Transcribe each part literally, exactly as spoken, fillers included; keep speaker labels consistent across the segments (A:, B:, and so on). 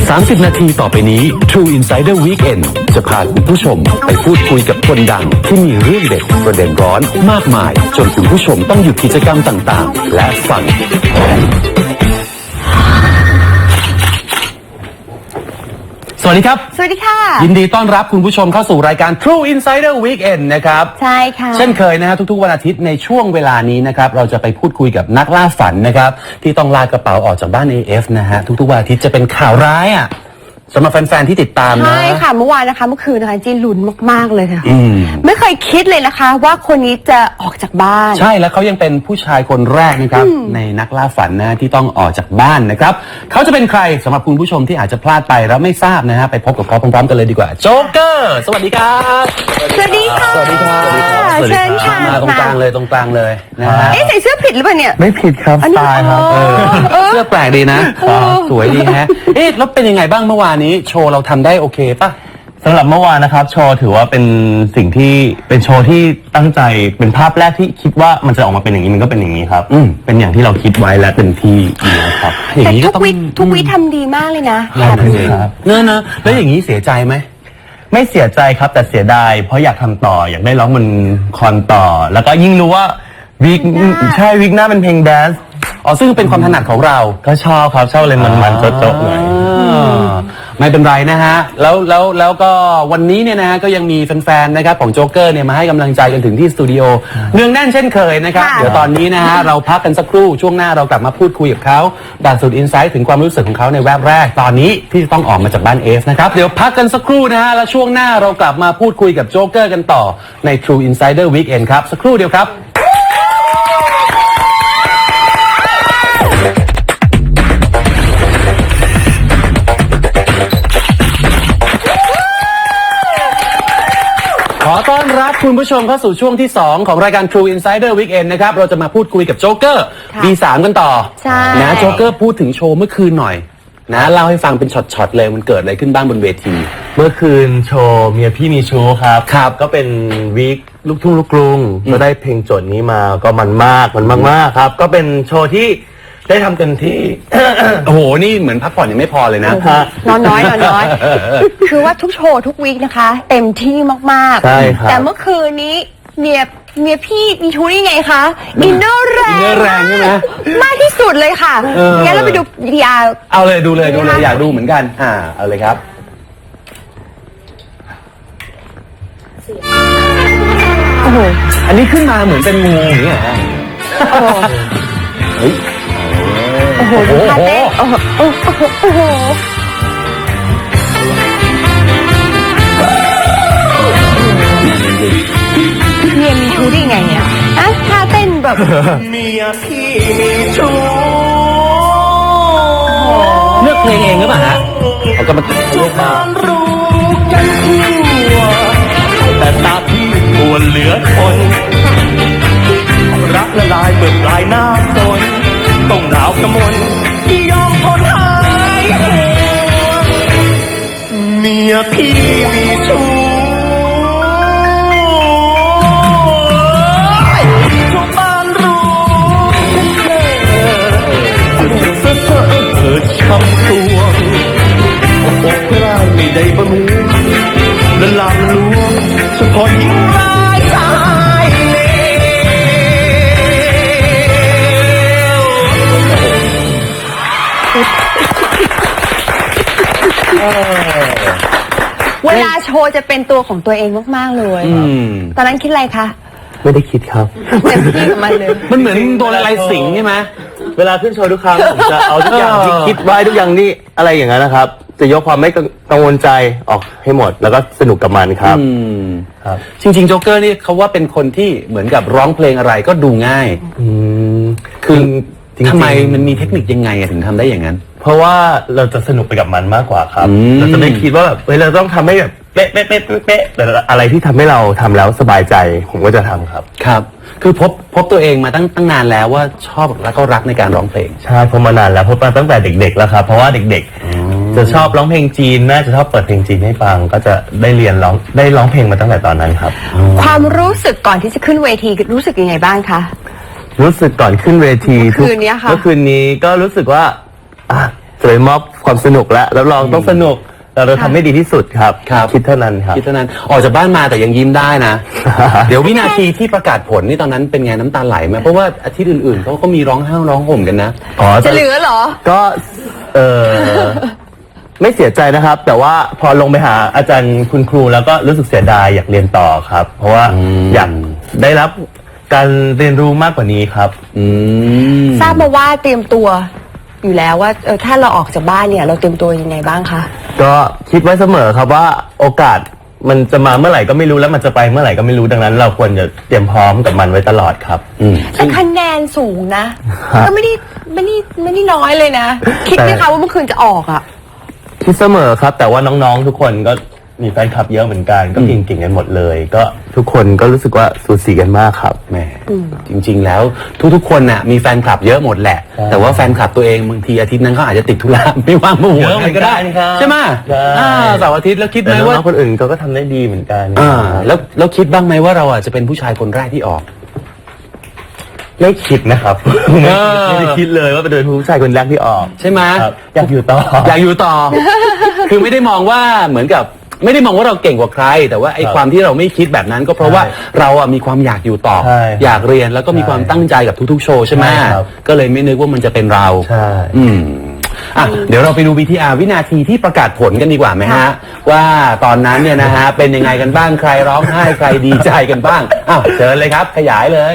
A: สามสิบ นาทีต่อไปนี้ True Insider Weekend จะพาคุณผู้ชมไปพูดคุยกับคนดังที่มีเรื่องเด็ดประเด็นร้อนมากมายจนคุณผู้ชมต้องหยุดกิจกรรมต่างๆและฟังสวัสดีครับ
B: สวัสดีค่ะ
A: ยินดีต้อนรับคุณผู้ชมเข้าสู่รายการ True Insider Weekend นะครับ
B: ใช่ค่ะ
A: เช่นเคยนะฮะทุกๆวันอาทิตย์ในช่วงเวลานี้นะครับเราจะไปพูดคุยกับนักล่าฝันนะครับที่ต้องลากระเป๋าออกจากบ้าน เอ เอฟ นะฮะทุกๆวันอาทิตย์จะเป็นข่าวร้ายอ่ะสำหรับแฟนๆที่ติดตามนะ
B: ใช่ค่ะเมื่อวานนะคะเมื่อคืนนะคะจีลุ้นมากๆเลยค่ะ
A: อืมไม่
B: เคยคิดเลยนะคะว่าคนนี้จะออกจากบ้าน
A: ใช่แล้วเขายังเป็นผู้ชายคนแรกนะครับในนักล่าฝันนะที่ต้องออกจากบ้านนะครับเขาจะเป็นใครสำหรับคุณผู้ชมที่อาจจะพลาดไปแล้วไม่ทราบนะฮะไปพบกับเขาพร้อมๆกันเลยดีกว่าโจ๊กเกอร์สวัสดีครับ
B: สวัสดีค่ะ
A: สวัสดีครับ
B: เชิญค่ะ
A: มาตรงกลางเลยตรงกลางเลยนะฮะ
B: เอ๊ะใส่เสื้อผิดหรือเปล่าเนี่ย
C: ไม่ผิดครับสไตล์ครับ
A: เสื้อแปลกดีนะสวยดีฮะเอ๊ะแล้วเป็นยังไงบ้างเมื่อวานนี้โชว์เราทำได้โอเคป่ะ
C: สำหรับเมื่อวานนะครับโชว์ถือว่าเป็นสิ่งที่เป็นโชว์ที่ตั้งใจเป็นภาพแรกที่คิดว่ามันจะออกมาเป็นอย่างนี้มันก็เป็นอย่างนี้ครับเป็นอย่างที่เราคิดไว้และเป็นที่นะครับ
B: แต่ทุกวิทุกวิทำดีมากเลยนะ
A: แบบนี้ครับเนอะเนอะแล้วอย่างนี้เสียใจไหม
C: ไม่เสียใจครับแต่เสียดายเพราะอยากทำต่ออยากได้ร้องบนคอนต่อแล้วก็ยิ่งรู้ว่าวิกใช่วิกหน้าเป็นเพลงแดนซ์
A: อ๋อซึ่งเป็นความถนัดของเรา
C: ก็ชอบครับชอบเลยมันๆโจ๊กๆหน่อย
A: ไม่เป็นไรนะฮะแล้วแล้วแล้วก็วันนี้เนี่ยนะฮะก็ยังมีแฟนๆนะครับของโจ๊กเกอร์เนี่ยมาให้กำลังใจกันถึงที่สตูดิโอเนืองแน่นเช่นเคยนะครับเดี๋ยวตอนนี้นะฮะเราพักกันสักครู่ช่วงหน้าเรากลับมาพูดคุยกับเขาดักสุดอินไซต์ถึงความรู้สึกของเขาในแวบแรกตอนนี้ที่จะต้องออกมาจากบ้านเอฟนะครับเดี๋ยวพักกันสักครู่นะฮะแล้วช่วงหน้าเรากลับมาพูดคุยกับโจ๊กเกอร์กันต่อใน True Insider Weekend ครับสักครู่เดียวครับขอต้อนรับคุณผู้ชมเข้าสู่ช่วงที่สองของรายการ True Insider Weekend นะครับเราจะมาพูดคุยกับโจ๊กเกอร์ บี สาม กันต่อนะโจ๊กเกอร์พูดถึงโชว์เมื่อคืนหน่อยนะเล่าให้ฟังเป็นช็อตๆเลยมันเกิดอะไรขึ้นบ้างบนเวที
C: เมื่อคืนโชว์เมียพี่มีชู้ครับครับก็เป็นวีคลูกทุ่งลูกกรุงก็ได้เพลงโจทย์นี้มาก็มันมากมันมากๆครับก็เป็นโชว์ที่ได้ทำเต็มที่
A: โอ้โหนี่เหมือนพักผ่อนยังไม่พอเลยนะ
B: นอนน้อยนอนน้อยคือว่าทุกโชว์ทุกวีคนะคะเต็มที่มาก
C: ๆใช่ครับ
B: แต่เมื่อคืนนี้เมียเมียพี่มีชู้ได้ไงคะอินเนอร์แรง
A: อินเนอร์แรงใช่ไหม
B: มากที่สุดเลยค่ะงั้นเราไปดูวิดีอาร์
A: เอาเลยดูเลยดูเลยอยากดูเหมือนกันอ่าเอาเลยครับ
B: โอ้โห
A: อันนี้ขึ้นมาเหมือนเป็นงูอย่างเงี้ยเฮ้ย
B: โอ้โหดูท่าเต้นโอ้โหโอ้โหโอ้โหเมียมีชู้ได้ไงเนี่ยอะท่าเต้นแบบ
C: เมียพี่มีชู้
A: เลือกเพลงเองหรือเปล่าฮะเขาก็มาเลือกมา
C: รู้กันทั่วแต่ตาพี่ควรเหลือทนรักละลายเบิกลายหน้าฝนต้องหนาวกระมนที่ยอมทนหายหัวเมียพี่มีชู้ทุกบ้านรู้เธอเธอเธอช้ำตัวอกร้ายไม่ได้บำรุงและลามลวงเฉพาะหญิงร้ายชาย
B: เวลาโชว์จะเป็นตัวของตัวเองมากๆเลยตอนนั้นคิดอะไรคะ
C: ไม่ได้คิดครับ
B: เต็มที่กับมันเลย
A: มันเหมือนโดนอะไรสิงใช่ไหม
C: เวลาขึ้นโชว์ทุกครั้งผมจะเอาทุกอย่างที่คิดไว้ทุกอย่างนี่อะไรอย่างนั้นนะครับจะยกความไม่กังวลใจออกให้หมดแล้วก็สนุกกับมันครับ
A: ครับจริงๆโจ๊กเกอร์นี่เขาว่าเป็นคนที่เหมือนกับร้องเพลงอะไรก็ดูง่ายคือทำไมมันมีเทคนิคยังไงถึงทำได้อย่างนั้น
C: เพราะว่าเราจะสนุกไปกับมันมากกว่าครับเราจะไม่คิดว่าแบบเฮ้ยเราต้องทำให้แบบเป๊ะเป๊ะเป๊ะเป๊ะแต่อะไรที่ทำให้เราทำแล้วสบายใจผมก็จะทำครับ
A: ครับคือพบพบตัวเองมาตั้งตั้งนานแล้วว่าชอบและก็รักในการร้องเพลง
C: ใช่พบมานานแล้วพบมาตั้งแต่เด็กๆแล้วครับเพราะว่าเด็กๆจะชอบร้องเพลงจีนแม่จะชอบเปิดเพลงจีนให้ฟังก็จะได้เรียนร้องได้ร้องเพลงมาตั้งแต่ตอนนั้นครับ
B: ความรู้สึกก่อนที่จะขึ้นเวทีรู้สึกยังไงบ้างคะ
C: รู้สึกก่อนขึ้นเวที
B: เมื่อคืนนี้ค่ะ
C: เมื่อคืนนี้ก็รู้สึกว่าอ่ะจะไปมอบความสนุกแล้วรับรองต้องสนุกเราเราทำให้ดีที่สุดครับ
A: ครับ
C: คิดเท่านั้นครับ
A: คิดเท่านั้นออกจากบ้านมาแต่ยังยิ้มได้นะ เดี๋ยววินาทีที่ประกาศผลนี่ตอนนั้นเป็นไงน้ำตาไหลไหมเพราะว่าอาทิตย์อื่นๆเขาก็มีร้องไห้ร้องห่มกันนะ
C: อ๋อ
B: จะเหลือเหรอ
C: ก็เออ ไม่เสียใจนะครับ แต่ว่าพอลงไปหาอาจารย์คุณครูแล้วก็รู้สึกเสียดายอยากเรียนต่อครับ เพราะว่า
A: อืม
C: อยากได้รับการเรียนรู้มากกว่านี้ครับ
A: อืม
B: ทราบมาว่าเตรียมตัวอยู่แล้วว่าเออถ้าเราออกจากบ้านเนี่ยเราเตรียมตัวยังไงบ้างคะ
C: ก็คิดไว้เสมอครับว่าโอกาสมันจะมาเมื่อไหร่ก็ไม่รู้แล้วมันจะไปเมื่อไหร่ก็ไม่รู้ดังนั้น เราควรจะเตรียมพร้อมกับมันไว้ตลอดครับ
A: อืม
B: แต่คะแนนสูงนะ ก็ไม่ได้ไม่ได้ไม่ได้น้อยเลยนะ คิดไหมคะว่าเมื่อคืนจะออกอ่ะ
C: คิดเสมอครับ แต่ว่าน้องๆทุกคนก็มีแฟนคลับเยอะเหมือนกันก็เก่งๆกันหมดเลย ก็ทุกคนก็รู้สึกว่าสูสีกันมากครับ
A: แหมจริงๆแล้วทุกๆคนน่ะมีแฟนคลับเยอะหมดแหละ
C: ใช่
A: แต่ว่าแฟนคลับตัวเองบางทีอาทิตย์นั้นเขาอาจจะติดธุระ ไม่ว่างมาหัว
C: เยอะเหมือนกัน
A: ได้
C: ครับ
A: ใช่ไหม
C: ใช่
A: อ่าเสาร์อาทิตย์แล้วคิดไห
C: แต่
A: ม
C: น้
A: ว่า
C: องๆคนอื่นเขาก็ทำได้ดีเหมือนกัน
A: อ่าแล้วแล้วคิดบ้างไหมว่าเราอ่ะจะเป็นผู้ชายคนแรกที่ออก
C: ไม่คิดนะครับ
A: เออ
C: ไม่ได้คิดเลยว่าเป็นผู้ชายคนแรกที่ออก
A: ใช่ไหม
C: ครับอยากอยู่ต่อ
A: อยากอยู่ต่อ คือไม่ได้มองว่าเหมือนกับ ไม่ได้มองว่าเราเก่งกว่าใคร แต่ว่าไอ้
C: ครับ
A: ความที่เราไม่คิดแบบนั้น ก็เพราะว่า
C: ใช่
A: เราอ่ะมีความอยากอยู่ต่อ
C: ใช่
A: อยากเรียนแล้วก็มี
C: ใช่
A: ความตั้งใจกับทุกๆโชว์ใช่ไหม
C: ใช่ครับ
A: ก็เลยไม่นึกว่ามันจะเป็นเรา
C: ใช่
A: อืมอ่ะเดี๋ยวเราไปดู วี ที อาร์ วินาทีที่ประกาศผลกันดีกว่าไหมฮะ ว่าตอนนั้นเนี่ยนะฮะเป็นยังไงกันบ้างใครร้องไห้ใครดีใจกันบ้างอ้าวเชิญเลยครับ ขยายเลย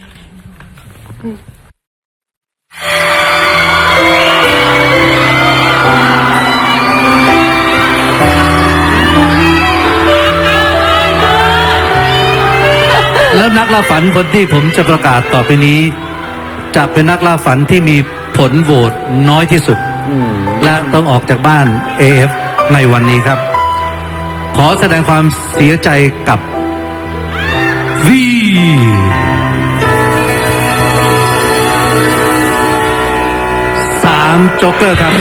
D: แล้วนักล่าฝันคนที่ผมจะประกาศต่อไปนี้ จะเป็นนักล่าฝันที่มีผลโหวตน้อยที่สุด และต้องออกจากบ้าน เอ เอฟ ในวันนี้ครับ ขอแสดงความเสียใจกับวีสามโจ๊กเกอร์ครับ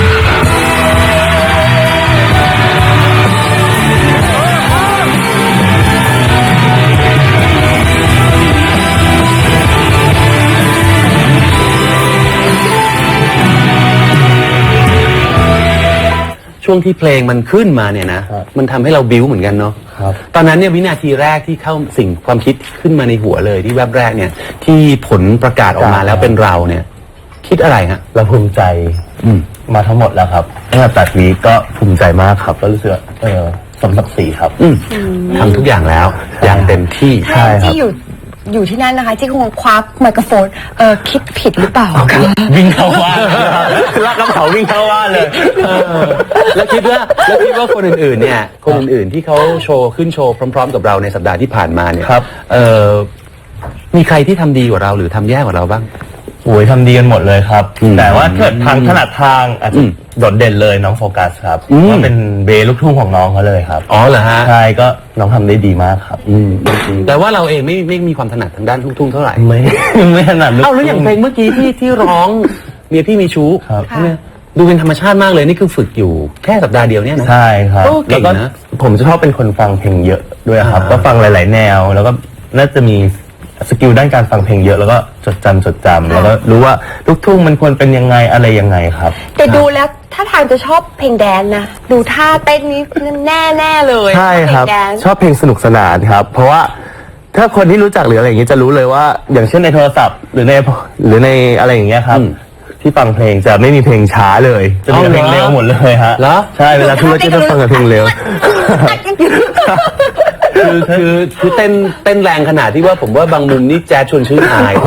A: ช่วงที่เพลงมันขึ้นมาเนี่ยนะ
C: ครับ
A: มันทำให้เราบิ้วเหมือนกันเนาะ
C: ครับ
A: ตอนนั้นเนี่ยวินาทีแรกที่เข้าสิ่งความคิดขึ้นมาในหัวเลยที่แวบแรกเนี่ย ที่ผลประกาศออกมาแล้วเป็นเราเนี่ย คิดอะไรฮะ
C: เราภูมิใจ
A: อืม
C: มาทั้งหมดแล้วครับตั้งแต่ตัดวีคก็ภูมิใจมากครับก็รู้สึกว่าเออสมศักดิ์ศรีครับ
A: อืมทำทุกอย่างแล้ว อย่างเต็มที่
C: ใช่ครับ
B: ที่อยู่อยู่ที่นั่นนะคะที่คงคว้าไมโครโฟนเออคิดผิดหรือเปล่าคะ
C: วิ่งเข้าบ้านลากกระเป๋าวิ่งเข้าบ้านเลย
A: เออแล้วคิดว่าแล้วคิดว่าคนอื่นๆ เนี่ย คนอื่นๆ ที่เขาโชว์ขึ้นโชว์พร้อม ๆ กับเราในสัปดาห์ที่ผ่านมาเนี่ย
C: ครับ
A: เออมีใครที่ทำดีกว่าเราหรือทำแย่กว่าเราบ้าง
C: โอ้ยทำดีกันหมดเลยครับ
A: อืม
C: แต่ว่าเกิดทางถนัดทางอาจ
A: อื
C: จะ
A: ม
C: โดดเด่นเลยน้องโฟกัสครับ
A: อืม
C: ว่าเป็นเบย์ลูกทุ่งของน้องเขาเลยครับ
A: อ๋อเหรอฮะ
C: ใช่ก็น้องทำได้ดีมากครับ
A: อืมแต่ว่าเราเองไม่ไม่มีความถนัดทางด้านลูกทุ่งเท่าไหร่
C: ไม่ ไม่ถนัดลูก
A: เอ้าแล้วอย่างเพลงเมื่อกี้ที่ที่ร้องเมียพี่มีชู้
C: ครับ
A: ใช่ไหมดูเป็นธรรมชาติมากเลยนี่คือฝึกอยู่แค่สัปดาห์เดียวเนี่ยนะ
C: ใช่ครับ
A: โอ้เก่
C: แล้ว
A: ง
C: ก็
A: นะ
C: ผมจะชอบเป็นคนฟังเพลงเยอะด้วยครับ
A: อ่า
C: ก็ฟังหลาย ๆ แนว แล้วก็น่าจะมีสกิลด้านการฟังเพลงเยอะแล้วก็จดจำจดจำแล้วก็รู้ว่าลูกทุ่งมันควรเป็นยังไงอะไรยังไงครับ
B: แต่ดูแล้วถ้าทางจะชอบเพลงแดนซ์นะดูท่าเต้นนี้แน่แน่ๆเลย
C: ใช่ครับ
B: เพลงแดนซ์
C: ชอบเพลงสนุกสนานครับ เพราะว่าถ้าคนที่รู้จักหรืออะไรอย่างเงี้ยจะรู้เลยว่า อย่างเช่นในโทรศัพท์ หรือในหรือในอะไรอย่างเงี้ยครับ
A: อืม
C: ที่ฟังเพลงจะไม่มีเพลงช้าเลย จะมีแต่เพลง
A: เอาเหรอ
C: เร็วหมดเลยฮะ
A: เหรอ
C: ใช่เวลาทุกคนจะฟังแต่เพลงเร็ว
A: คือคือคือเต้นเต้นแรงขนาดที่ว่าผมว่าบางมุมนี่แจ๊ดชวนชื่นอาย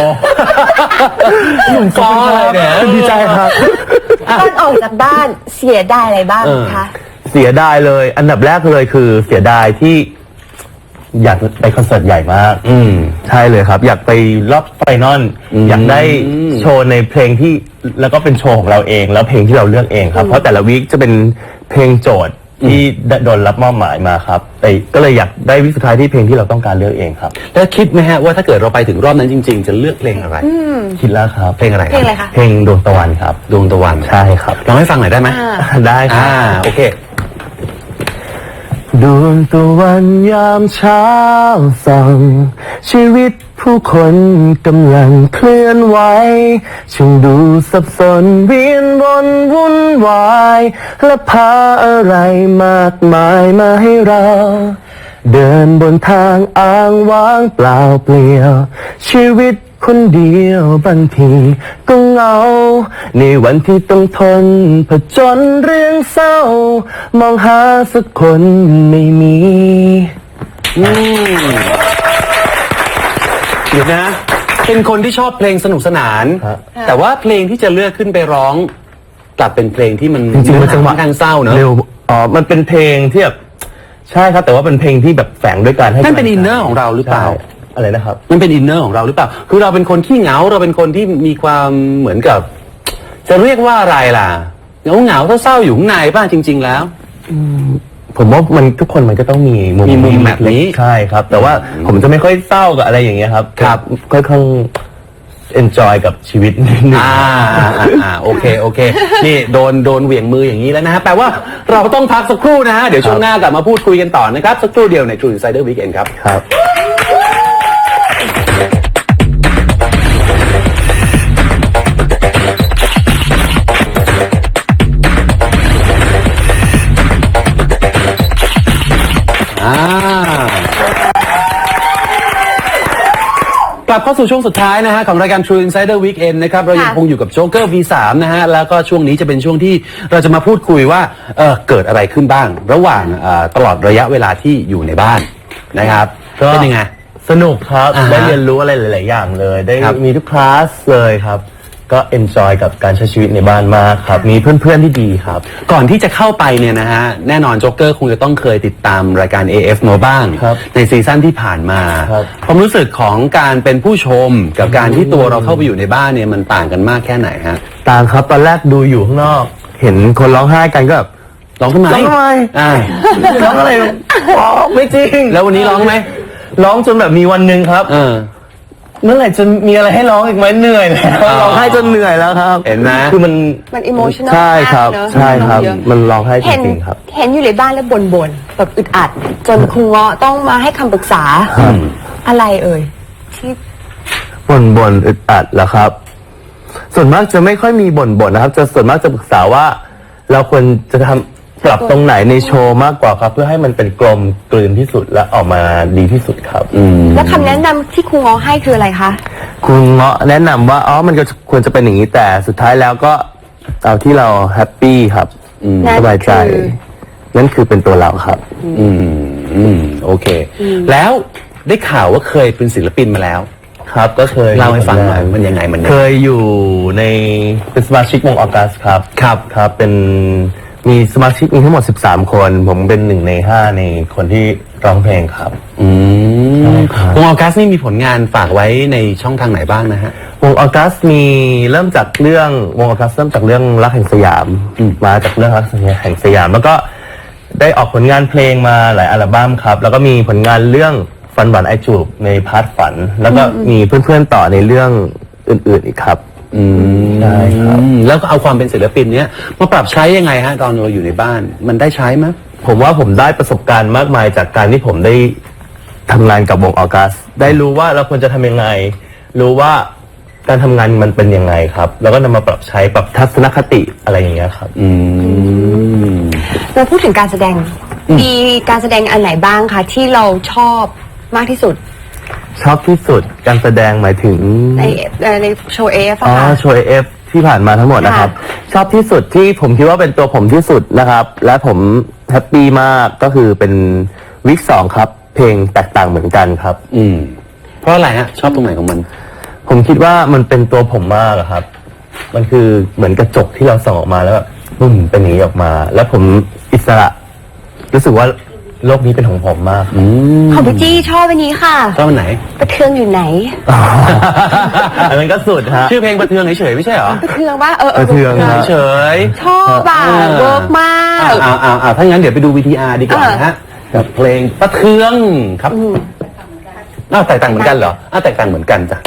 A: หนุ่มฟอเลยเนี่ย
C: ดีใจครับ
B: ตอนออกจากบ้านเสียดายอะไรบ้าง
A: เออ
B: คะ
C: เสียดายเลย อันดับแรกเลยคือเสียดายที่อยากไปคอนเสิร์ตใหญ่มาก
A: อืม
C: ใช่เลยครับ อยากไปรอบไฟนอล
A: อืม
C: อยากได้โชว์ในเพลงที่แล้วก็เป็นโชว์ของเราเอง แล้วเพลงที่เราเลือกเองครับ เพราะแต่ละวีคจะเป็นเพลงโจทย์ที่โดนรับมอบหมายมาครับแต่ก็เลยอยากได้วิคสุดท้ายที่เพลงที่เราต้องการเลือกเองครับ
A: แล้วคิดไหมฮะว่าถ้าเกิดเราไปถึงรอบนั้นจริง ๆ จะเลือกเพลงอะไร
C: คิดแล้วครับ
A: เพลงอะไร
B: เพลงอะไรคะ
C: เพลงดวงตะวันครับ
A: ดวงตะวัน
C: ใช่ครับ
A: ลองให้ฟังหน่อยได้ไหม
B: อ่า
C: ได้ครั
A: อ่า
C: บ
A: โอเค
C: ดวงตะวันยามเช้าส่องชีวิตผู้คนกำลังเคลื่อนไหวช่างดูสับสนเวียนวนวุ่นวายและพาอะไรมากมายมาให้เราเดินบนทางอ้างว้างเปล่าเปลี่ยวชีวิตคนเดียวบางทีก็เหงาในวันที่ต้องทนผจญเรื่องเศร้ามองหาสักคนไม่มี
A: อืมเดี๋ยวนะ เป็นคนที่ชอบเพลงสนุกสนาน
C: ครับ
A: แต่ว่าเพลงที่จะเลือกขึ้นไปร้อง กลับเป็นเพลงที่มัน
C: จริงๆมันจังหวะ
A: ค่อข้างเศร้าเนอะ
C: เร็วอ๋อมันเป็นเพลงที่แบบใช่ครับแต่ว่าเป็นเพลงที่แบบแฝงด้วยการให้
A: นั่นเป็น
C: กำลั
A: อิ
C: ง
A: น
C: ใจ
A: เนอร์ของเราหรือเปล่า
C: ใช่อะไรนะครับ
A: มันเป็นอินเนอร์ของเราหรือเปล่า คือเราเป็นคนขี้เหงา เราเป็นคนที่มีความเหมือนกับ จะเรียกว่าอะไรล่ะ เหงาเหงาๆเศร้าๆอยู่ข้างในบ้างจริง ๆ แล้ว
C: ผมว่ามันทุกคนมันก็ต้องมีมุม
A: มีมุม
C: ที่
A: แบบนี้
C: ใช่ครับ แต่ว่าผมจะไม่ค่อยเศร้ากับอะไรอย่างเงี้ยครับ
A: ครับ
C: ค่อยๆ enjoy กับชีวิตนิดนึง
A: อ่าอ่าอ่าอ่าโอเคโอเค นี่โดนโดนเหวี่ยงมืออย่างนี้แล้วนะฮะแปลว่าเราต้องพักสักครู่นะฮะเดี๋ยวช่วงหน้ากลับมาพูดคุยกันต่อนะครับ สักครู่เดียวใน True Insider Weekend ครับ
C: ครับ
A: อ่ากลับเข้าสู่ช่วงสุดท้ายนะฮะของรายการ True Insider Weekend นะครับเรายัง
B: ค่ะ
A: คงอยู่กับโจ๊กเกอร์ วี สาม นะฮะแล้วก็ช่วงนี้จะเป็นช่วงที่เราจะมาพูดคุยว่าเออเกิดอะไรขึ้นบ้าง ระหว่างเอ่อตลอดระยะเวลาที่อยู่ในบ้านนะครับ
C: ก็
A: เป็นยังไง
C: สนุกครับ
A: อ่าฮะ
C: ได้เรียนรู้อะไรหลาย ๆ อย่างเลย ได้
A: ครับ
C: มีทุกคลาสเลยครับ ก็ enjoy กับการใช้ชีวิตในบ้านมากครับ มีเพื่อน ๆ ที่ดีครับ
A: ก่อนที่จะเข้าไปเนี่ยนะฮะแน่นอนโจ๊กเกอร์คงจะต้องเคยติดตามรายการ เอ เอฟ มาบ้าง
C: ครับ
A: ในซีซั่นที่ผ่านมา
C: ครับ
A: ความรู้สึกของการเป็นผู้ชมกับการที่ตัวเราเข้าไปอยู่ในบ้านเนี่ยมันต่างกันมากแค่ไหนฮะ
C: ต่างครับตอนแรกดูอยู่ข้างนอก เห็นคนร้องไห้กันก็แบบ
A: ร้องทำไม
C: ร้องทำไม
A: อ่า
C: ร้องอะไรอ๋อไม่จริง
A: แล้ววันนี้ร้องไหม
C: ร้องจนแบบมีวันหนึ่งครับ
A: เออ
C: เมื่อไหร่จะมีอะไรให้ร้องอีกไหมเหนื่อยแล้ว
A: อ๋อ
C: ร้องไห้จนเหนื่อยแล้วครับ
A: เห็นไหม
C: คือมัน
B: มัน emotional
C: ใช่ครับ
B: มากเนอะ
C: ใช่ครับ
B: เยอะ
C: มันร้องไห้จ
B: เห็น
C: ริงๆครับ
B: เห็นอยู่ในบ้านแล้วบ่นๆแบบอึดอัด จนครูเงาะต้องมาให้คำปรึกษา
C: ครับ
B: อะไรเอ่ยที่
C: บ่นบ่นอึดอัดเหรอครับ ส่วนมากจะไม่ค่อยมีบ่นบ่นนะครับ จะส่วนมากจะปรึกษาว่า เราควรจะทำปรับตรงไหนในโชว์มากกว่าครับ เพื่อให้มันเป็นกลมกลืนที่สุดและออกมาดีที่สุดครับ
B: แล้วคำแนะนำที่ครูเงาะให้คืออะไรคะ
C: คุณเงาะแนะนำว่าอ๋อมันก็ควรจะเป็นอย่างนี้แต่สุดท้ายแล้วก็เอาที่เราแฮปปี้ครับ
B: นั่น
C: สบายใจ
B: คือ
C: นั่นคือเป็นตัวเราครับ
A: อืมอืมโอเค แล้วได้ข่าวว่าเคยเป็นศิลปินมาแล้ว
C: ครับก็เคย
A: เล่าให้ฟังหน่อยมันยังไงมันยัง
C: เค
A: ไง
C: ยอยู่ในเป็นสมาชิกวงออกัสครับ ครับครับเป็นมีสมาชิกมีทั้งหมดสิบสามคน ผมเป็นหนึ่งในห้าในคนที่ร้องเพลงครับ
A: อืม
C: ใช่ครับ
A: วงออกัสนี่มีผลงานฝากไว้ในช่องทางไหนบ้างนะฮะ
C: วงออกัสมีเริ่มจากเรื่องวงออกัสเริ่มจากเรื่องรักแห่งสยาม
A: อืม
C: มาจากเรื่องรักแห่งสยาม แล้วก็ได้ออกผลงานเพลงมาหลายอัลบั้มครับ แล้วก็มีผลงานเรื่องฝันหวานไอจูบในพาร์ทฝัน แล้วก็มีเพื่อนๆต่อในเรื่องอื่นๆอีกครับ
A: อืม
C: ใช่ครับ
A: แล้วก็เอาความเป็นศิลปินเนี้ยมาปรับใช้ยังไงฮะตอนเราอยู่ในบ้าน มันได้ใช้ไหม
C: ผมว่าผมได้ประสบการณ์มากมายจากการที่ผมได้ทำงานกับวงออกัส ได้รู้ว่าเราควรจะทำยังไง รู้ว่าการทำงานมันเป็นยังไงครับ แล้วก็นำมาปรับใช้ปรับทัศนคติอะไรอย่างเงี้ยครับ
A: อืม
B: เราพูดถึงการแสดง มีการแสดงอันไหนบ้างคะที่เราชอบมากที่สุด
C: ชอบที่สุดการแสดงหมายถึง
B: ในเอ่อในโชว์เอฟ
C: อ๋อ
B: อะค่ะ
C: โชว์เอฟที่ผ่านมาทั้งหมดนะครับ ชอบที่สุดที่ผมคิดว่าเป็นตัวผมที่สุดนะครับ และผมแฮปปี้มากก็คือเป็นวิกสองครับ เพลงแตกต่างเหมือนกันครับ
A: อืม เพราะอะไรฮะ ชอบตรงไหนของมัน
C: ผมคิดว่ามันเป็นตัวผมมากอะครับ มันคือเหมือนกระจกที่เราส่องออกมาแล้วแบบปุ้มเป็นอย่างนี้ออกมา แล้วผมอิสระ รู้สึกว่าโลกนี้เป็นของผมมาก
A: อืม
B: ของพี่จี้ชอบอันนี้ค่ะ
A: ชอบอันไหน
B: ประเทืองอยู่ไหน
C: อันนั้นก็สุดฮะ
A: ชื่อเพลงประเทืองเฉยๆไม่ใช่เหรอ
B: ประเทืองว่าเออ
C: ประเทือง
A: เฉย
B: ชอบอ่ะ
A: อ่า
B: เวิร์กมาก
A: อ่าอ่าอ่าถ้างั้นเดี๋ยวไปดู วี ที อาร์ ดีกว่านะฮะกับเพลงประเทืองครับอ้าวแตกต่างเหมือนกันเหรออ้าวแตกต่างเหมือนกันจ้ะ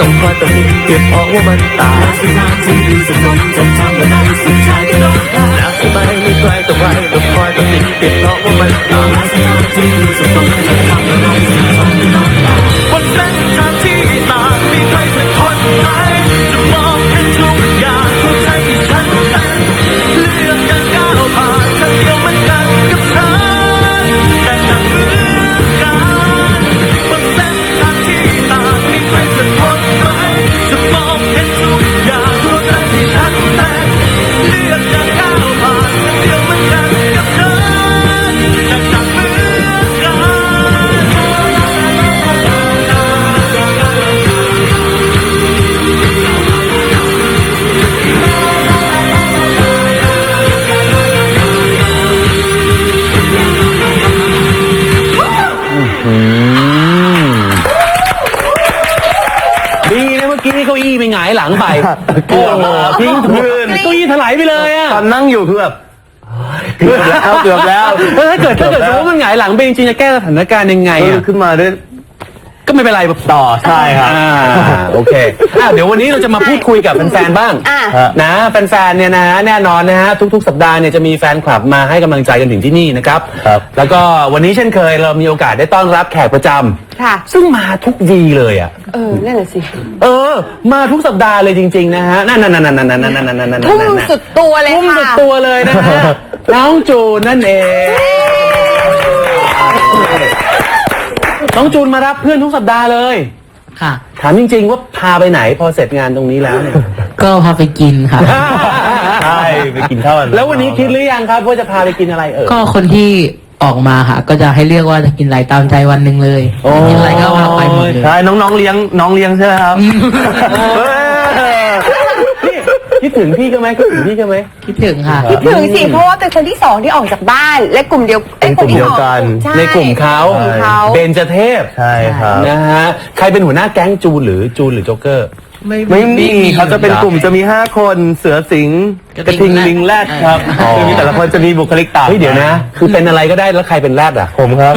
E: ต้องคอยตัดสินเก็บเพราะว่ามันตายสุดท้ายที่ดีสุดท้ายจะทำอะไรสุดท้ายก็ต้องได้แล้วทำไมไม่ใครต่อใครต้องคอยตัดสินเก็บเพราะว่ามันตายสุดท้ายที่ดีสุดท้ายจะทำอะไรสุดท้ายก็ต้องได้บนเส้นทางที่ต่างมีใครสักคนไหมจะมองเห็นทุกอย่างหัวใจที่ฉันเป็นเลือกการก้าวผ่านทางเดียวมันกันกับฉันแต่ต่างเหมือนกันบนเส้นทางที่ต่างมีใครสักคนไหมจะมองเห็นทุกอย่างหัวใจที่ฉันเป็นเลือกการก้าวผ่านทางเดียวมันกันกับฉันแต่ต่างเหมือนกัน
A: ดีนะเมื่อกี้เก้าอี้ไปหงายหลังไป
C: เกือบแล้ว
A: ทิ้ง
C: พื้น
A: เก้าอี้ถลายไปเลยอ่ะ
C: ตอนนั่งอยู่คือแบบเกือบแล้วเกือบแล้ว
A: เออถ้าเกิดถ้าเกิดสมมติว่ามันหงายหลังไปจริงๆจะแก้สถานการณ์ยังไง
C: เออ
A: อ่ะ
C: ขึ้นมาด้วย
A: ก็ไม่เป็นไรต่อ
C: ใช่ครับ
A: อ่าโอเคอ่ะเดี๋ยววันนี้เราจะมาพูดคุยกับแฟนๆบ้าง
B: อ่ะ
A: นะแฟนๆเนี่ยนะฮะแน่นอนนะฮะทุกๆ สัปดาห์เนี่ยจะมีแฟนคลับมาให้กำลังใจกันถึงที่นี่นะครับ
C: ครับ
A: แล้วก็วันนี้เช่นเคยเรามีโอกาสได้ต้อนรับแขกประจำ
B: ค่ะ
A: ซึ่งมาทุกวีเลยอ่ะ
B: เออ นั่นแหละสิ
A: เออ มาทุกสัปดาห์เลยจริงๆนะฮะนั่นนั่นนั่นนั่นนั่นนั่นนั่นนั่นนั่น
B: ทุ่มสุดตัวเลย
A: ทุ่ม
B: ค่ะ
A: สุดตัวเลยนะฮะน้องจูนนั่นเองน้องจูนมารับเพื่อนทุกสัปดาห์เลย
F: ค่ะ
A: ถามจริงๆว่าพาไปไหนพอเสร็จงานตรงนี้แล้วเนี่ย
F: ก็พาไปกินค่ะ
C: ใช่ไปกินข้าวกัน
A: แล้ววันนี้คิดหรือยังครับว่าจะพาไปกินอะไรเออ
F: ก็คนที่ออกมาค่ะ ก็จะให้เลือกว่าจะกินอะไรตามใจวันหนึ่งเลย
A: โอ้
F: กินอะไรก็พาไปหมดเลย
C: ใช่น้องๆเลี้ยงน้องเลี้ยงใช่ไหมครับเออ
A: นี่คิดถึงพี่ก็ไหมคิดถึงพี่ก็ไหม
F: คิดถึงค่ะ
B: คิดถึงสิ เพราะว่าเป็นคนที่สองที่ออกจากบ้าน และกลุ่มเดียวอ้
C: เป็นกลุ่มเดียวกัน
B: ใช่
A: ในกลุ่มเขา
B: กลุ่มเขา
A: เบญจเทพ
C: ใช่ครับ
A: นะฮะใครเป็นหัวหน้าแก๊งจูนหรือจูนหรือโจ๊กเกอร์
C: ไม่มีเขาจะเป็นกลุ่มจะมีห้าคนเสือสิงห์กระทิงลิงแรดครับ
A: อ๋อ
C: คือมีแต่ละคนจะมีบุคลิกต่าง
A: เฮ้ยเดี๋ยวนะ คือเป็นอะไรก็ได้แล้วใครเป็นแรดอ่ะ
C: ผมครับ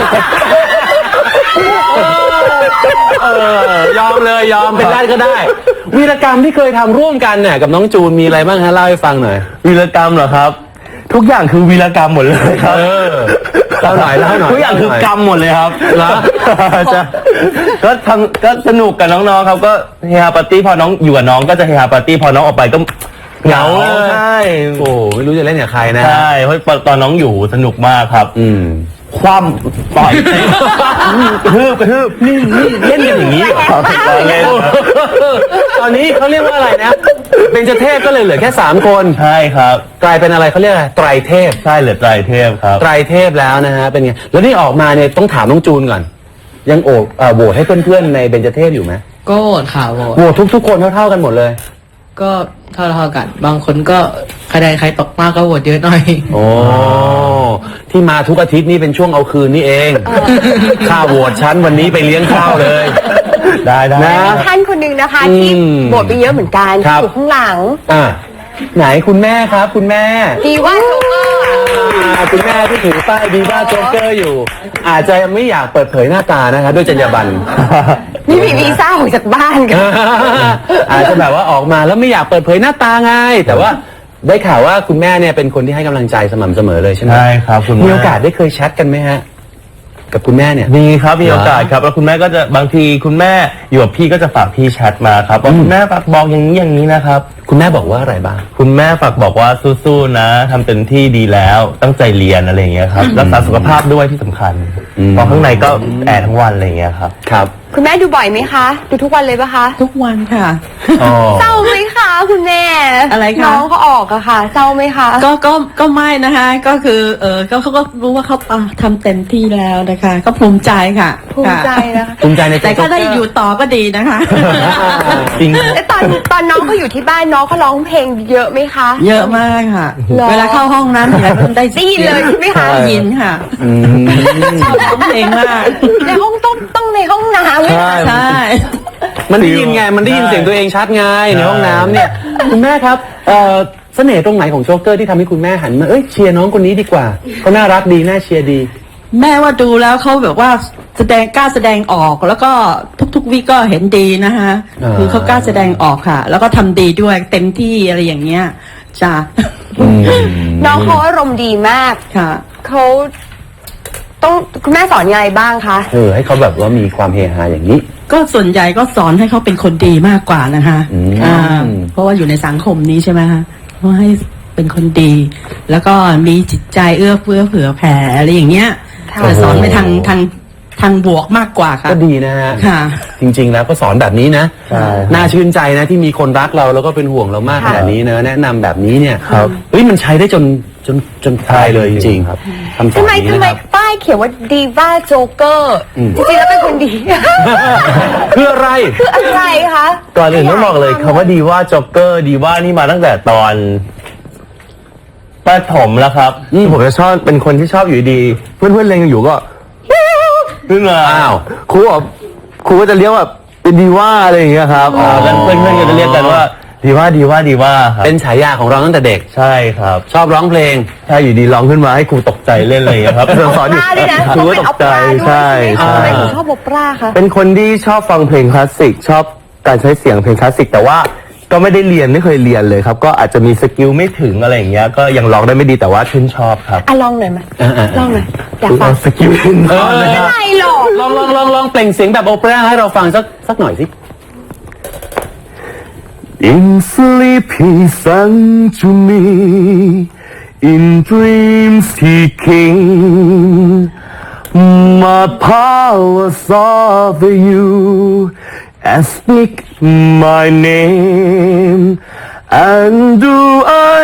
A: เออยอมเลยยอมเป็นแรดก็ได้ วีรกรรมที่เคยทำร่วมกันเนี่ยกับน้องจูนมีอะไรบ้างฮะเล่าให้ฟังหน่อย
C: วีรกรรมเหรอครับ ทุกอย่างคือวีรกรรมหมดเลยครับ
A: เออเล่าหน่อยเล่าหน่อย
C: ทุกอย่างคือกรรมหมดเลยครับ
A: เหรอ
C: จะก็ทำก็สนุกกับน้องๆครับก็เฮฮาปาร์ตี้พอน้องอยู่กับน้องก็จะเฮฮาปาร์ตี้พอน้องออกไปก็เหงา
A: เหงาเลย
C: ใช่
A: โอ้ไม่รู้จะเล่นกับใครนะ
C: ใช่เพราะตอนน้องอยู่สนุกมากครับ
A: อืม
C: คว่ำต่อยเตะกระทืบกระทืบนี่นี่เล่นกันอย่างนี้เหรอครับเล่น
A: ตอนนี้เขาเรียกว่าอะไรนะเบญจเทพก็เลยเหลือแค่สามคน
C: ใช่ครับ
A: กลายเป็นอะไรเขาเรียกอะไรไตรเทพ
C: ใช่เหลือไตรเทพครับ
A: ไตรเทพแล้วนะฮะเป็นไงแล้วนี่ออกมาเนี่ยต้องถามน้องจูนก่อน ยังโอบเอ่อโหวตให้เพื่อนๆในเบญจเทพอยู่ไหม
F: ก็โหวตค่ะโหวต
A: โหวตทุกๆคนเท่าๆกันหมดเลย
F: ก็เท่าเท่าๆกัน บางคนก็ใครใดใครตกมากก็โหวตเยอะหน่อย
A: โอ้ที่มาทุกอาทิตย์นี่เป็นช่วงเอาคืนนี่เองข้าวโหวตชั้นวันนี้ไปเลี้ยงข้าวเลย
C: ได้ได้
A: นะ
B: มีท่านคนหนึ่งนะคะ
A: อืม
B: ที่โบทไปเยอะเหมือนกัน
A: ครับ
B: อยู่ข้างหลัง
A: อ่ะไหนคุณแม่ครับ คุณแม่
B: ดีว่าโจ๊กเกอร์
A: อ่าคุณแม่ที่ถือป้ายดีว่าโจ๊กเกอร์อยู่ อาจจะไม่อยากเปิดเผยหน้าตานะครับด้วยจรรยาบรรณ
B: นี่มีวีซ่าออกจากบ้านกัน
A: อาจจะแบบว่าออกมาแล้วไม่อยากเปิดเผยหน้าตาไง แต่ว่าได้ข่าวว่าคุณแม่เนี่ยเป็นคนที่ให้กำลังใจสม่ำเสมอเลยใช่ไหม
C: ใช่ครับคุณแม่
A: มีโอกาสได้เคยแชทกันไหมฮะ กับคุณแม่เนี่ย
C: มีครับมีโอกาสครับแล้วคุณแม่ก็จะบางทีคุณแม่อยู่กับพี่ก็จะฝากพี่แชทมาครับว่าคุณแม่ฝากบอกอย่างนี้อย่างนี้นะครับ
A: คุณแม่บอกว่าอะไรบ้าง
C: คุณแม่ฝากบอกว่าสู้ๆนะทำเต็มที่ดีแล้วตั้งใจเรียนอะไรอย่างเงี้ยครับรักษาสุขภาพด้วยที่สำคัญ
A: อืม
C: เพราะข้างในก็แอร์ทั้งวันอะไรอย่างเงี้ยครับ
A: ครับ
B: คุณแม่ดูบ่อยไหมคะ ดูทุกวันเลยปะคะ
F: ทุกวันค่ะ
A: อ๋อ
B: เศร้าไหมคะคุณแม่
F: อะไรคะ
B: น้องเขาออกอะค่ะ เศร้าไหมคะ
G: ก็ก็ก็ไม่นะคะ ก็คือเออก็เขาก็รู้ว่าเขาทำเต็มที่แล้วนะคะ ก็ภูมิใจค่ะ
B: ภูมิใจนะคะ
A: ภูมิใจใน
G: แต่ก็ได้
A: โจ๊เกร์
G: อยู่ต่อก็ดีนะคะ
C: จริง
B: แล้วตอนตอนน้องเขาอยู่ที่บ้านน้องเขาร้องเพลงเยอะไหมคะ
G: เยอะมากค่ะ
B: หรอ
G: เวลาเข้าห้องน้ำอะไรก็ได้
B: ได้ยินเลยใช่ไหมคะ
G: ได้ยินค่ะ
A: อืม
G: ชอบร้องเพลงมาก
B: ในห้องต้องต้องในห้องน้ำไหม
C: ใช่
B: คะ
G: ใช่
A: มันได้ยินไง มันได้ยินเสียงตัวเองชัดไงในห้องน้ำเนี่ย คุณแม่ครับ เอ่อเสน่ห์ตรงไหนของโจ๊กเกอร์ที่ทำให้คุณแม่หันมา เอ้ยเชียร์น้องคนนี้ดีกว่าเขาน่ารักดีน่าเชียร์ดี
G: แม่ว่าดูแล้วเขาแบบว่าแสดงกล้าแสดงออกแล้วก็ทุกๆวิก็เห็นดีนะคะ
A: อ่า
G: คือเขากล้าแสดงออกค่ะ แล้วก็ทำดีด้วยเต็มที่อะไรอย่างเงี้ยจ้ะ
B: น้องเขาอารมณ์ดีมาก
G: ค่ะ
B: เขาต้องคุณแม่สอนยังไงบ้างคะ
A: เออให้เขาแบบว่ามีความเฮฮาอย่างนี้
G: ก็ส่วนใหญ่ก็สอนให้เขาเป็นคนดีมากกว่านะคะ
A: อืม
G: อ่าเพราะว่าอยู่ในสังคมนี้ใช่ไหมคะก็ให้เป็นคนดี แล้วก็มีจิตใจเอื้อเฟื้อเผื่อแผ่อะไรอย่างเงี้ย
B: ค่ะ
G: แต่สอนไปทางทางทางบวกมากกว่าค่ะ
A: ก็ดีนะฮะ
G: ค่ะ
A: จริงๆแล้วก็สอนแบบนี้นะ
C: ใช่
A: น่าชื่นใจนะที่มีคนรักเราแล้วก็เป็นห่วงเรามากข
B: ค่ะ
A: นาดนี้นะแนะนำแบบนี้เนี่ย
C: ครับ
A: เฮ้ยมันใช้ได้จนจนจนตายเลยจริงๆครับคำสอน
B: ทำไม
A: นี้
B: ทำ
A: นะ
B: ไม
A: ครับ
B: ป้ายเขียนว่าดีว่าโจ๊กเกอร์
A: อืม
B: จริงๆแล้วเป็นคนดี
A: คืออะไร
B: คืออะไรคะ
C: ก่อนอื่นต้องบอกเลยคำว่าดีว่าจ็อกเกอร์ดีว่านี่มาตั้งแต่ตอนประถมแล้วครับที่ผมจะชอบเป็นคนที่ชอบอยู่ดี เพื่อนเพื่อนๆเรียนกันอยู่ก็ขึ้นมา
A: อ้าว
C: ครูบอกครูก็จะเรียกแบบเป็นดีว่าอะไรอย่างเงี้ยครับอ๋อกันเพื่อนเพื่อนๆก็จะเรียกกันว่าดีว่าดีว่าดีว่าครับ
A: เป็นฉายาของเราตั้งแต่เด็ก
C: ใช่ครับ
A: ชอบร้องเพลง
C: ใช่อยู่ดีร้องขึ้นมาให้ครูตกใจเล่นเลยครับสอนอยู่
B: ปราด้วยนะ
C: ครู
B: ต้อง
C: ก็
B: เป็น
C: ต
B: ออก ป
C: ใจ
B: ราด้วย
C: ใช่
B: ใช่ไหมคะทำไม
C: ใช่
B: ถึงชอบโอปราคะ
C: เป็นคนที่ชอบฟังเพลงคลาสสิกชอบการใช้เสียงเพลงคลาสสิกแต่ว่าก็ไม่ได้เรียนไม่เคยเรียนเลยครับ ก็อาจจะมีสกิลไม่ถึงอะไรอย่างเงี้ยก็ยังร้องได้ไม่ดีแต่ว่าชื่นชอบครับ
B: อ่ะลองหน่อยไหม
A: อ่าๆ
B: ลองหน่อยอยากฟัง
C: สกิลขึ้นคอเลย
B: ไม่
C: ครับ
B: ไรหรอก
A: ลองลองลองลองเปล่งเสียงแบบโอเปร่าให้เราฟังสักสักหน่อยสิ
C: In sleepy sun to me, in dreams he came. My powers of you, and speak my name, and do I?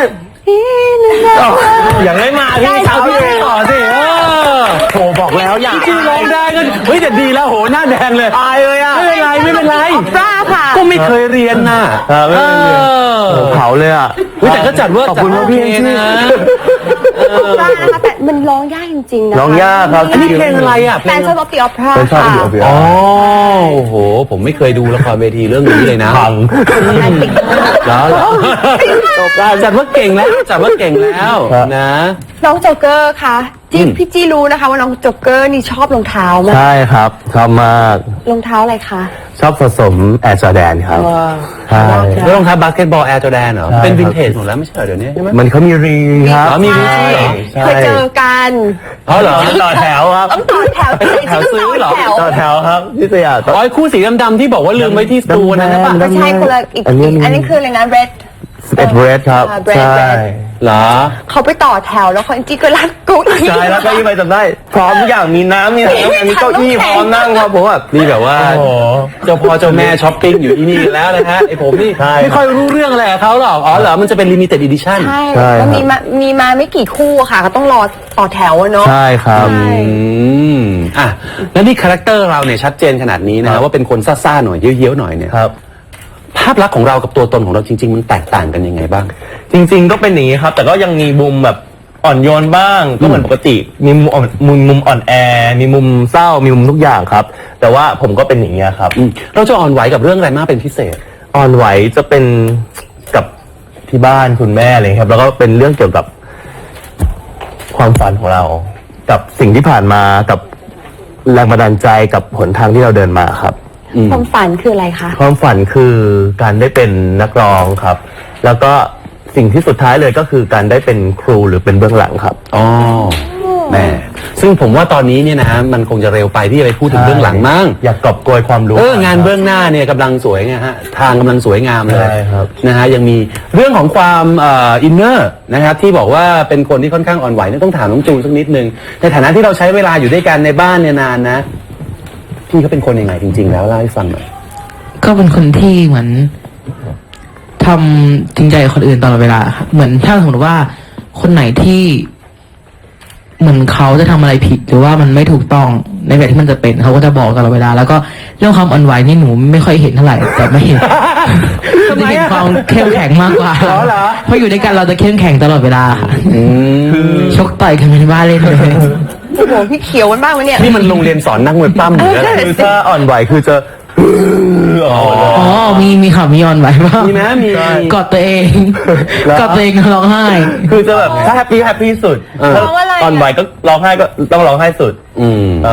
C: อย่างไรมาพี่เช้าพี่ต่อสิเออโถบอกแล้วอย่า
A: จริงๆร้องได้ก็เฮ้ยแต่ดีแล้วโหหน้าแดงเลย
C: อายเลยอ่ะ
A: ไม่เป็นไรไม่เป็นไร
B: ออปราค่ะ
A: ก็ไม่เคยเรียนน่ะ
C: ครับไม่เป็นไร
A: เออ
C: เผาเลยอ่ะ
A: เฮ้ยแต่ก็จัดเว่า
C: ขอบคุณมากพี่
A: จัดโอเคนะ
B: ออปรานะคะแต่มันร้องยากจริงๆนะคะ
C: ร้องยากครับ
A: อันนี้เพลงอะไรอ่ะเพล
B: แต่
A: ง
B: ชอบตีออปรา
C: เป็นชอบ
B: ค่ะ
C: อยู่กับพี่
A: อ๋อโอ้โห ผมไม่เคยดูละครเวทีเรื่องนี้เลยนะ
C: พัง
A: แล้วเหรอจบการจัดว่าเก่งแล้วจัดว่าเก่งแล้ว
C: ครับ
A: นะ
B: น้องโจ๊กเกอร์คะจี้
A: อืม
B: พี่จี้รู้นะคะว่าน้องโจ๊กเกอร์นี่ชอบรองเท้ามาก
C: ใช่ครับชอบมาก
B: รองเท้าอะไรคะ
C: ชอบผสมแอร์จอแดนครับใช่
A: แล้วรองเท้าบาสเกตบอลแอร์จอแดนเหรอ
C: ใช่
A: เป็น
C: ครับ
A: วินเทจหมดแล้วไม่ใช่เหรอเดี๋ยวนี้ใช่ไหม
C: มันเขามีรีครับ
A: อ๋อมีรีเหรอ
C: ใช่
B: เคยเจอกัน
A: อ๋อเหรอ
C: ต่อแถวครับ
B: ต้องต่อแถวจริงๆ
A: แถวซื้อเหรอ
B: ต้ง
C: ต่
B: ต่
C: อ
B: อแถ
C: แถ
B: ว
C: วครับที่สยาม
A: อ๋อไอ้คู่สีดำๆที่บอกว่าลืมไว้ที่สตูนะใช่ปะ
B: ไม่ใช่คนละอีก
C: อันนี้
B: อีกอันนี้คืออะไรนะ red
C: สิบเอ็ดเรดครับ
B: อ่า Red
C: ใช่
B: Red
A: เหรอ
B: เขาไปต่อแถวแล้วคนจี้ก็รัดกุ๊ก
C: ใช่แล้วเก็ยี่ไปจำได้ พร้อมทุกอย่างมีน้ำมีอะไรมีเก้าอี้พร้อมนั่งครับผมแบบ
A: นี่แบบว่า
C: โอ้โห
A: เจ้าพ่อเจ้าแม่ช้อปปิ้งอยู่ที่นี่กันแล้วนะฮะไอผมนี่
C: ใช่
A: ไม่ค่อยรู้เรื่องอะไรกับเขาหรอกอ๋อเหรอมันจะเป็นลิมิเต็ดอีดิชั่น
B: ใช่
C: ใช่
B: แล้ว
C: ครับ
B: มีมามีมาไม่กี่คู่อะค่ะก็ต้องรอต่อแถวอะเนาะ
C: ใช่ครับ
B: ใช่
A: อืมอ่ะแล้วนี่คาแรคเตอร์เราเนี่ยชัดเจนขนาดนี้นะว่าเป็นคนซ่าๆหน่อยเยี้ยวๆหน่อยเนี่ย
C: ครับ
A: ภาพลักษณ์ของเรากับตัวตนของเราจริง ๆ มันแตกต่างกันยังไงบ้าง
C: จริงๆก็เป็นอย่างนี้ครับ แต่ก็ยังมีมุมแบบอ่อนโยนบ้าง ก็เหมือนปกติ มีมุมอ่อนมุมมุมอ่อนแอ มีมุมเศร้า มีมุมทุกอย่างครับ แต่ว่าผมก็เป็นอย่างนี้ยครับ
A: อืมเราจะอ่อนไหวกับเรื่องอะไรมากเป็นพิเศษ
C: อ่อนไหวจะเป็นกับที่บ้านคุณแม่เลยครับ แล้วก็เป็นเรื่องเกี่ยวกับความฝันของเรา กับสิ่งที่ผ่านมากับแรงบันดาลใจกับหนทางที่เราเดินมาครับ
B: ความฝันคืออะไรคะ
C: ความฝันคือการได้เป็นนักร้องครับ แล้วก็สิ่งที่สุดท้ายเลยก็คือการได้เป็นครูหรือเป็นเบื้องหลังครับ
A: อ๋อแม่ซึ่งผมว่าตอนนี้เนี่ยนะมันคงจะเร็วไปที่จะไปพูดถึงเบื้องหลังมั้ง
C: อยากกอบโกยความรู้
A: เอองานเบื้องหน้าเนี่ยกำลังสวยไงฮะทางกำลังสวยงามเลย
C: ใช่ครับ
A: นะฮะยังมีเรื่องของความเอินเนอร์นะครับที่บอกว่าเป็นคนที่ค่อนข้างอ่อนไหวเนี่ยต้องถามน้องจูนสักนิดนึงในฐานะที่เราใช้เวลาอยู่ด้วยกันในบ้านเนี่ยนานนะพี่เขาเป็นคนยังไงจริง ๆ แล้วเล่าให้ฟังหน่อย
F: ก็เป็นคนที่เหมือนทำจริงใจกับคนอื่นตลอดเวลาครับเหมือนถ้าสมมติว่าคนไหนที่เหมือนเขาจะทำอะไรผิด หรือว่ามันไม่ถูกต้องในแบบที่มันจะเป็นเขาก็จะบอกตลอดเวลา แล้วก็เรื่องความอ่อนไหวนี่หนูไม่ค่อยเห็นเท่าไหร่แต่ไม่เห็น
A: ทำไม
F: จะเห็น
A: อะ
F: ความเข้มแข็งมากกว่า
A: เหรอเหรอ
F: เพราะอยู่ด้วยกันเราจะเข้มแข็งตลอดเวลาค่ะ
A: อืม
F: ชกต่อยกันเป็นบ้าเล่นเลย
B: โอ้โหพี่เขียวมันบ้างไหมเนี่ย
A: นี่มันโรงเรียนสอนนักมวยปล้ำหรืออะไร
C: คือถ้าอ่อนไหวคือจะ
A: อ๋อ
F: อ๋อมีมีข่าวมีออนไหวบ้าง
A: มีไหมมี
F: กอดตัวเองกอดตัวเองร้องไห้
C: คือจะแบบถ้าแฮปปี้แฮปปี้สุด
A: เออ
C: ถ้า
B: ร้องอะไรอะ
C: อ่อนไหวก็ร้องไห้ก็ต้องร้องไห้สุด
A: อืม
C: ครับ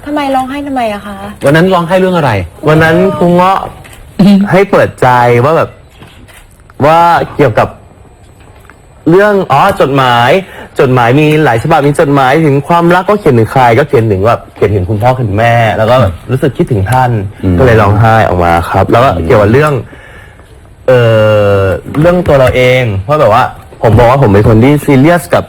B: ทำไมร้องไห้ทำไมอะคะ
A: วันนั้นร้องไห้เรื่องอะไร
C: วันนั้นครูเงาะให้เปิดใจว่าแบบว่าเกี่ยวกับเรื่องอ๋อจดหมายจดหมายมีหลายฉบับมีจดหมายถึงความรักก็เขียนถึงใครก็เขียนถึงแบบเขียนถึงคุณพ่อคุณแม่ แล้วก็แบบรู้สึกคิดถึงท่าน
A: อืม
C: ก็เลยร้องไห้ออกมาครับ แล้วก็เกี่ยวกับเรื่อง เอ่อเรื่องตัวเราเองเพราะแบบว่า ผมบอกว่าผมเป็นคนที่ซีเรียสกับ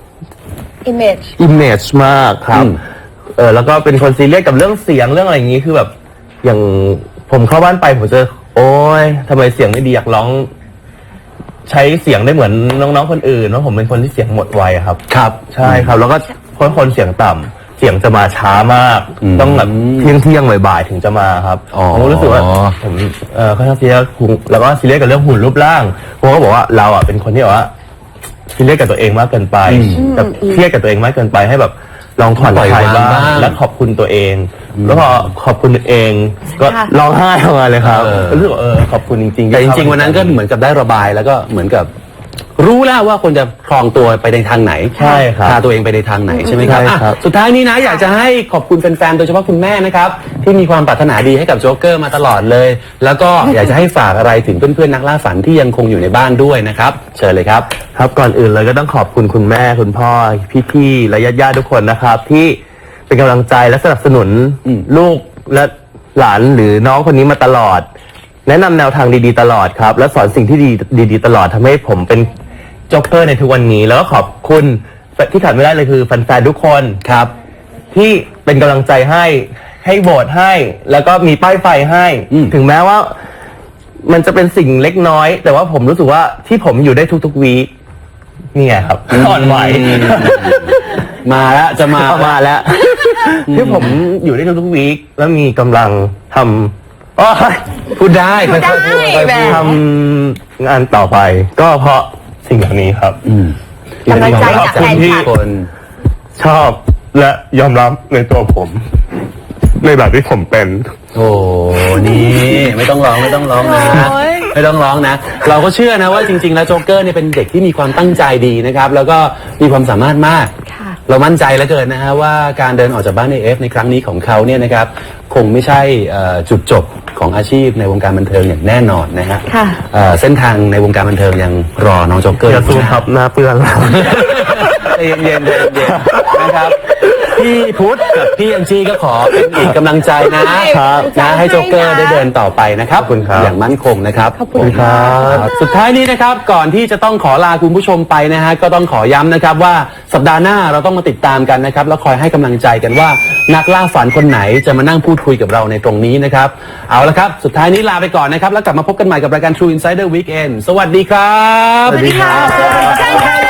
B: image
C: image มากครับ
A: อืม
C: เออแล้วก็เป็นคนซีเรียสกับเรื่องเสียงเรื่องอะไรอย่างนี้คือแบบ อย่างผมเข้าบ้านไปผมจะโอ๊ยทำไมเสียงไม่ดีอยากร้อง ใช้เสียงได้เหมือนน้องๆคนอื่นเพราะผมเป็นคนที่เสียงหมดไวอะครับ
A: ครับ
C: ใช่ครับ แล้วก็คนคนเสียงต่ำเสียงจะมาช้ามาก
A: อืม
C: ต้องแบบเที่ยงเที่ยงๆบ่ายๆถึงจะมาครับ
A: อ๋อ
C: ผมรู้สึกว่าผมเออค่อนข้างซีเรียสหุ่นแล้วก็ซีเรียสกับเรื่องหุ่นรูปร่างผมก็บอกว่าเราอ่ะเป็นคนที่แบบว่าซีเรียสกับตัวเองมากเกินไปกับเครียดกับตัวเองมากเกินไปให้แบบลองผ่อนคลายบ้างและขอบคุณตัวเอง แล้วพอขอบคุณตัวเอง ก็
B: ค่ะ
C: ร้องไห้ออกมาเลยครับ
A: เออ
C: รู้สึกว่าเออขอบคุณจริงๆ
A: แต่จ
C: ที่
A: ริงๆวันนั้นก็เหมือนกับได้ระบายแล้วก็เหมือนกับ รู้แล้วว่าควรจะครองตัวไปในทางไหน
C: ใช่ครับ
A: พาตัวเองไปในทางไหนใช่ไหมครับ
C: ใช่ครับ
A: อ่ะสุดท้ายนี้นะอยากจะให้ขอบคุณแฟนๆโดยเฉพาะคุณแม่นะครับที่มีความปรารถนาดีให้กับโจ๊กเกอร์มาตลอดเลย แล้วก็อยากจะให้ฝากอะไรถึงเพื่อนๆนักล่าฝันที่ยังคงอยู่ในบ้านด้วยนะครับเชิญเลยครับ
C: ครับก่อนอื่นเลยก็ต้องขอบคุณคุณแม่คุณพ่อพี่ๆและญาติๆทุกคนนะครับ ที่เป็นกำลังใจและสนับสนุน
A: อืม
C: ลูกและหลานหรือน้องคนนี้มาตลอด แนะนำแนวทางดีๆตลอดครับ และสอนสิ่งที่ดีดีๆตลอดทำให้ผมเป็นโจ๊กเกอร์ในทุกวันนี้ แล้วก็ขอบคุณที่ขาดไม่ได้เลยคือแฟนๆทุกคน
A: ครับ
C: ที่เป็นกำลังใจให้ให้โหวตให้ แล้วก็มีป้ายไฟให้
A: อืม
C: ถึงแม้ว่า มันจะเป็นสิ่งเล็กน้อย แต่ว่าผมรู้สึกว่าที่ผมอยู่ได้ทุกๆวีคนี่ไงครับอ่อนไหว
A: มาแล้วจะมา
C: เอามาแล้ว ที่ผมอยู่ได้ทุกๆวีคแล้วมีกำลังทำอ้อย
A: พูดได้ค่อยๆพูดค่อยๆ
B: ได้
A: พูด
C: ทำงานต่อไป ก็เพราะสิ่งเหล่านี้ครับ
A: อืม
B: กำลังใจจากแฟนคลับ
A: คน
C: ชอบและยอมรับในตัวผม ในแบบที่ผมเป็น
A: โอ้นี่ไม่ต้องร้องไม่ต้องร้องนะ
B: โอ้ย
A: ไม่ต้องร้องนะ เราก็เชื่อนะว่าจริงๆแล้วโจ๊กเกอร์เนี่ยเป็นเด็กที่มีความตั้งใจดีนะครับ แล้วก็มีความสามารถมาก
B: ค่ะ
A: เรามั่นใจเหลือเกินนะฮะว่าการเดินออกจากบ้านในเอฟในครั้งนี้ของเขาเนี่ยนะครับ คงไม่ใช่เอ่อจุดจบของอาชีพในวงการบันเทิงอย่างแน่นอนนะฮะ
B: ค่ะ
A: เอ่อเส้นทางในวงการบันเทิงยังรอน้องโจ๊กเกอร์
C: อย่าซูมครับหน้าเปื้อนแล้ว
A: ใจเย็นๆใจเย็นๆนะครับพี่พุทธกับพี่แอนจี้ก็ขอเป็นอีกกำลังใจนะครับ นะให้โจ๊กเกอร์ได้เดินต่อไปนะครับ
C: ขอบคุณครับ
A: อย่างมั่นคงนะครับ
B: ขอบคุณครับ
A: สุดท้ายนี้นะครับก่อนที่จะต้องขอลาคุณผู้ชมไปนะฮะก็ต้องขอย้ำนะครับว่าสัปดาห์หน้าเราต้องมาติดตามกันนะครับแล้วคอยให้กำลังใจกันว่านักล่าฝันคนไหนจะมานั่งพูดคุยกับเราในตรงนี้นะครับเอาละครับสุดท้ายนี้ลาไปก่อนนะครับแล้วกลับมาพบกันใหม่กับรายการ True Insider Weekend สวัสดีครับ
B: สวัสดีค่ะ